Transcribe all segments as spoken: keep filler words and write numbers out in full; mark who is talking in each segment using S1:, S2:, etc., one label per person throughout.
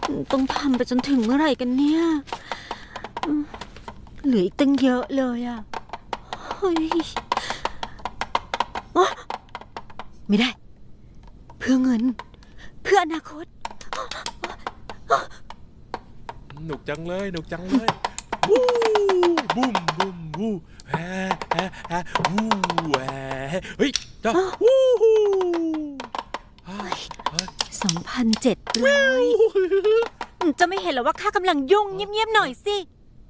S1: ต้องทำไปจนถึงเมื่อไหร่กันเนี่ยเหลืออีกตั้งเยอะเลยอ่ะเฮ้ยไม่ได้เพื่อเงินเพื่ออนาคต
S2: หนุกจังเลยหนุกจังเลยวู้บุ้มบุ้มวู้แฮ่แฮ่แฮ่วู้แฮ่เฮ้ยจ้าวู้ฮู้
S1: สองพันเจ็ดร้อยจะไม่เห็นหรอว่าข้ากำลังยุ่งเงียบๆหน่อยสิ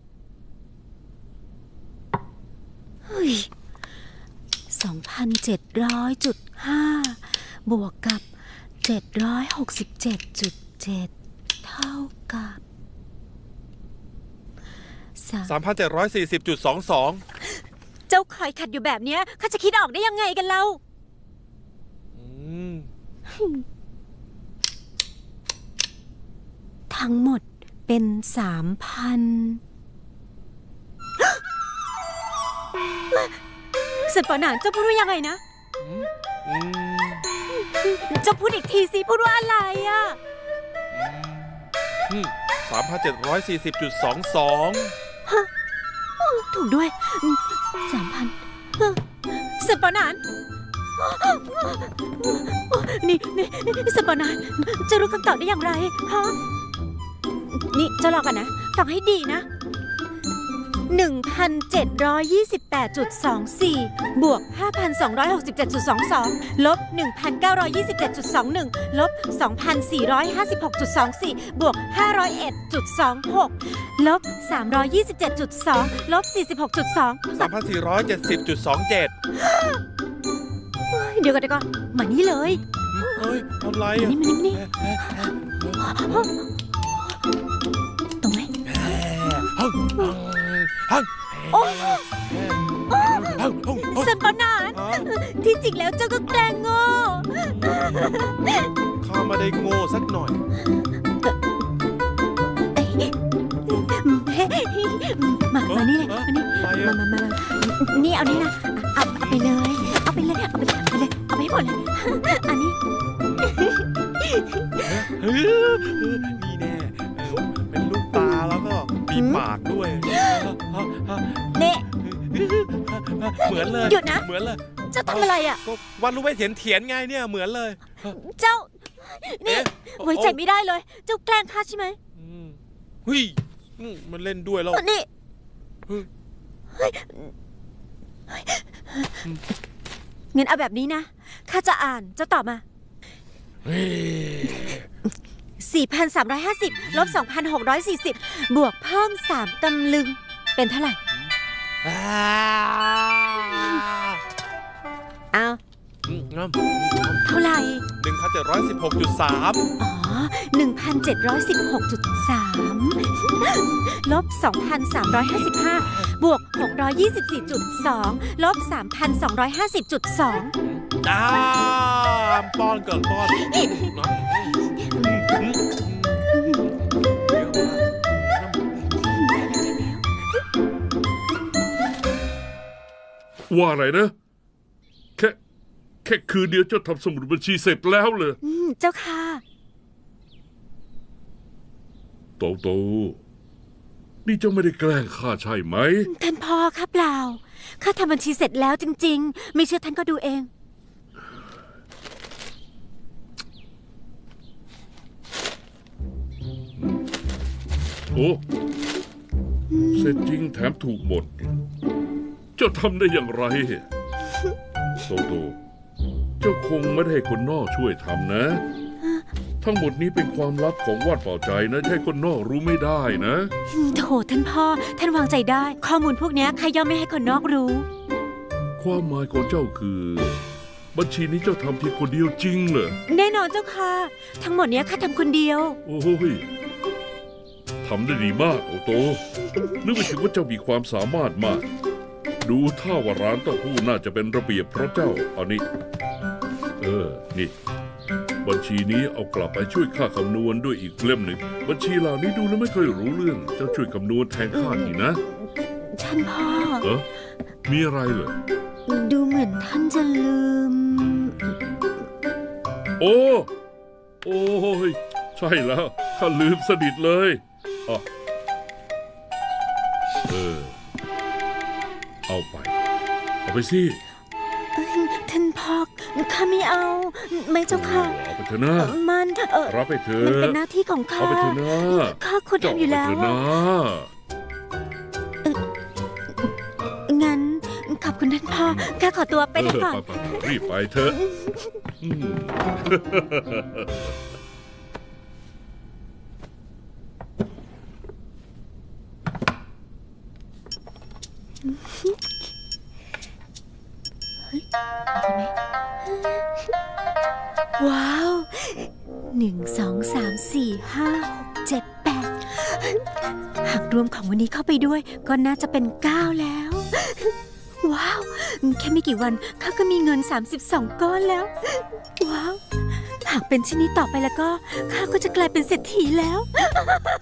S1: เฮ้ยสองพันเจ็ดร้อยจุดห้าบวกกับเจ็ดร้อยหกสิบเจ็ดจุดเจ็ดเท่ากับ
S2: สามพันเจ็ดร้อยสี่สิบจุดสองสอง
S1: เจ้าคอยขัดอยู่แบบเนี้ยข้าจะคิดออกได้ยังไงกันเล่าทั้งหมดเป็นสามพันสุดปะหนานเจ้าพูดว่ายังไงนะเจ้าพูดอีกทีสิพูดว่าอะไรอ่ะ
S2: สามพันเจ็ดร้อยสี่สิบจุดสองสอง
S1: ถูกด้วยสามพันสุดปะหนานนี่นี่สุดปะหนานจะรู้คำตอบได้อย่างไรฮะนี่จะรอกันนะฟังให้ดีนะ หนึ่งพันเจ็ดร้อยยี่สิบแปดจุดสองสี่ บวก ห้าพันสองร้อยหกสิบเจ็ดจุดสองสอง ลบ หนึ่งพันเก้าร้อยยี่สิบเจ็ดจุดสองหนึ่ง ลบ สองพันสี่ร้อยห้าสิบหกจุดสองสี่ บวก ห้าร้อยเอ็ดจุดสองหก ลบ สามร้อยยี่สิบเจ็ดจุดสอง ลบ สี่สิบหกจุดสอง
S2: สามพันสี่ร้อยเจ็ดสิบจุดสองเจ็ด
S1: เดี๋ยวก่อนเดี๋ยวก่อนมานี่เลย
S2: เฮ้ยทำไรอ่ะ
S1: นี่มานี่ตรงไหน
S2: ฮังฮัง
S1: โอ้สันปนานที่จริงแล้วเจ้าก็แกล้งโง่
S2: ข้าไม่ได้โง่สักหน่อย
S1: มามานี่เลยมานี่มามามานี่เอานี่นะเอาเอาไปเลยเอาไปเลยเอาไปเลยเอาไปเลยเอาไปให้หมดเลยอันนี้
S2: นี่แน่เป็นลูกตาแล้วก็มีปากด้วย
S1: เน่
S2: เหมือนเลย
S1: หยุดนะ
S2: เหมือนเลย
S1: เจ้าทำอะไรอ่ะ
S2: วันรู้ไหมเถียนเถียนไงเนี่ยเหมือนเลย
S1: เจ้านี่ไว้ใจไม่ได้เลยเจ้าแกล้งข้าใช่ไหม
S2: เฮ้ยมันเล่นด้วยแล้ว
S1: นี่งั้นเอาแบบนี้นะข้าจะอ่านเจ้าตอบมาสี่พันสามร้อยห้าสิบ ลบ สองพันหกร้อยสี่สิบ บวกเพิ่มสามตำลึงเป็นเท่าไหร่เอาเท่าไหร่
S2: หนึ่งพันเจ็ดร้อยสิบหกจุดสาม
S1: อ๋อ หนึ่งพันเจ็ดร้อยสิบหกจุดสาม ลบ สองพันสามร้อยห้าสิบห้า บวก หกร้อยยี่สิบสี่จุดสอง ลบ สามพันสองร้อยห้าสิบจุดสอง
S2: จ้าป้อนก่อนป้อน
S3: ว่าอะไรนะแค่แค่คืนเดียวเจ้าทำสมุดบัญชีเสร็จแล้วเลย
S1: เจ้าค่ะ
S3: โตโตนี่เจ้าไม่ได้แกล้งข้าใช่ไหม
S1: ท่านพ่อค่ะเปล่าข้าทำบัญชีเสร็จแล้วจริงๆไม่เชื่อท่านก็ดูเอง
S3: โอ้เสร็จจริงแถมถูกหมดเจ้าทำได้อย่างไรโตโตเจ้าคงไม่ได้ให้คนนอกช่วยทำนะทั้งหมดนี้เป็นความลับของวาดเป่าใจนะให้คนนอกรู้ไม่ได้นะ
S1: โถท่านพ่อท่านวางใจได้ข้อมูลพวกนี้ใครย่อมไม่ให้คนนอกรู้
S3: ความหมายของเจ้าคือบัญชีนี้เจ้าทำเพียงคนเดียวจริงเหรอ
S1: แน่นอนเจ้าค่ะทั้งหมดนี้ข้าทำคนเดียว
S3: โอ้ยทำได้ดีมากโตโตนึกไม่ถึงว่าเจ้ามีความสามารถมากดูท่าว่าร้านเต้าหู้น่าจะเป็นระเบียบเพราะเจ้าเอานี่เออนี่บัญชีนี้เอากลับไปช่วยข้าคำนวณด้วยอีกเล่มหนึ่งบัญชีเหล่านี้ดูแล้วไม่ค่อยรู้เรื่องเจ้าช่วยคำนวณแทนข้าทีนะ
S1: ท่านพ่อ
S3: เออมีอะไรเหรอ
S1: ดูเหมือนท่านจะลืม
S3: โอ้โอ้ยใช่แล้วข้าลืมสนิทเลยอ๋อเออ เอาไป เอาไปสิ
S1: เอ้ยท่านพ่อข้าไม่เอา ไม่เจ้าค่ะ
S3: โอ้เอาไปเถอะนะ
S1: มันเออ
S3: รับไปเถอ
S1: มันเป็
S3: ะ
S1: นหน้าที่ของข้า
S3: เอาไปเถอะนะ
S1: ข้าควรทำอยู่แล้ว
S3: เาไปเถอะนะ
S1: งั้นขอบคุณท่านพ่อข้าขอตัวไปได้ก่อน
S3: เไปๆๆรีบไปเถอะอืม
S1: ว้าว หนึ่ง สอง สาม สี่ ห้า หก เจ็ด แปด หากรวมของวันนี้เข้าไปด้วยก็น่าจะเป็นเก้าแล้ว ว้าว แค่ไม่กี่วันข้าก็มีเงินสามสิบสองก้อนแล้ว ว้าว หากเป็นเช่นนี้ต่อไปแล้วก็ข้าก็จะกลายเป็นเศรษฐีแล้ว